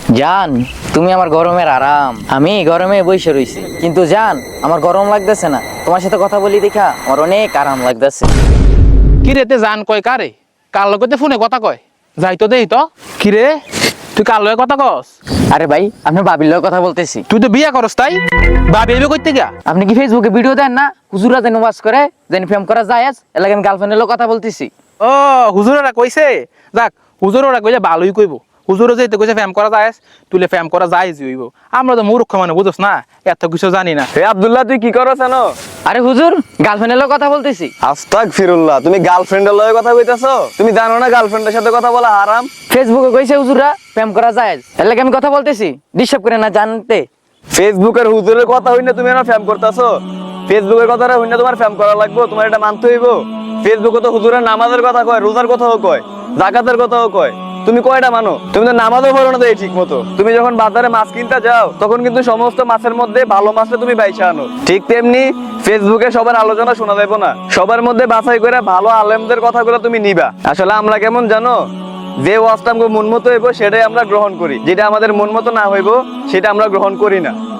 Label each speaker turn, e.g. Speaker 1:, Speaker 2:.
Speaker 1: জান, তুমি আমার গরমের আরাম। আমি গরমে বসে রইছি, কিন্তু জান আমার গরম লাগতেছে না। তোমার সাথে কথা বলি দেখা আমার অনেক আরাম লাগতেছে।
Speaker 2: কি রে তে জান কয় কারে? কার লগতে ফোনে কথা কয়? যাই তো দেই তো। কি রে তুই কার লগে কথা কস?
Speaker 1: আরে ভাই, আমি বাবির লগে কথা বলতেছি।
Speaker 2: তুই তো বিয়া করস তাই? ভাবি এবে কইতে গা?
Speaker 1: আপনি কি ফেসবুকে ভিডিও দেন না? হুজুরা যেন ওয়াজ করে, যেন প্রেম করা যায়, এর লাগে আমি গার্লফ্রেন্ডের লগে কথা বলতেছি।
Speaker 2: ও হুজুরেরা কইছে? যাক, হুজুরেরা কইলে ভালোই কইব। হুজুরে যেতে কইছে ফ্যাম করা যায়, তুইলে ফ্যাম করা যায় যে হইব। আমরা তো মূর্খ মানে বুঝছ না, এত কিছু জানি না।
Speaker 3: হে আব্দুল্লাহ, তুই কি করছ জানো?
Speaker 1: আরে হুজুর, গার্লফ্রেন্ডের লগে কথা বলতেছি।
Speaker 3: আস্তাগফিরুল্লাহ, তুমি গার্লফ্রেন্ডের লগে কথা কইতাছো? তুমি জানো না গার্লফ্রেন্ডের সাথে কথা বলা হারাম?
Speaker 1: ফেসবুকে কইছে হুজুরা প্রেম করা যায়, এর লাগে আমি কথা বলতেছি। ডিস্টার্ব করে না জানতে।
Speaker 3: ফেসবুকের হুজুরের কথা হইনা তুমি না ফ্যাম করতাছো? ফেসবুকের কথাটা হইনা তোমার ফ্যাম করা লাগবে? তোমার এটা মানতে হইব। ফেসবুকে তো হুজুরের নামাজের কথা কয়, রোজার কথাও কয়, যাকাতের কথাও কয়। তুমি কয়টা মানো? তুমি তো নামাজও পড়ো না ঠিক মতো। তুমি যখন বাজারে মাছ কিনতে যাও তখন কিন্তু সমস্ত মাছের মধ্যে ভালো মাছটা তুমি বাইছা আনো। ঠিক তেমনি ফেসবুকে সবার আলোচনা শোনা যাবে না, সবার মধ্যে বাছাই করে ভালো আলেমদের কথাগুলো তুমি নিবা। আসলে আমরা কেমন জানো, যে ওয়াজটা আমাকে মন মতো হইব সেটাই আমরা গ্রহণ করি, যেটা আমাদের মন মতো না হইব সেটা আমরা গ্রহণ করি না।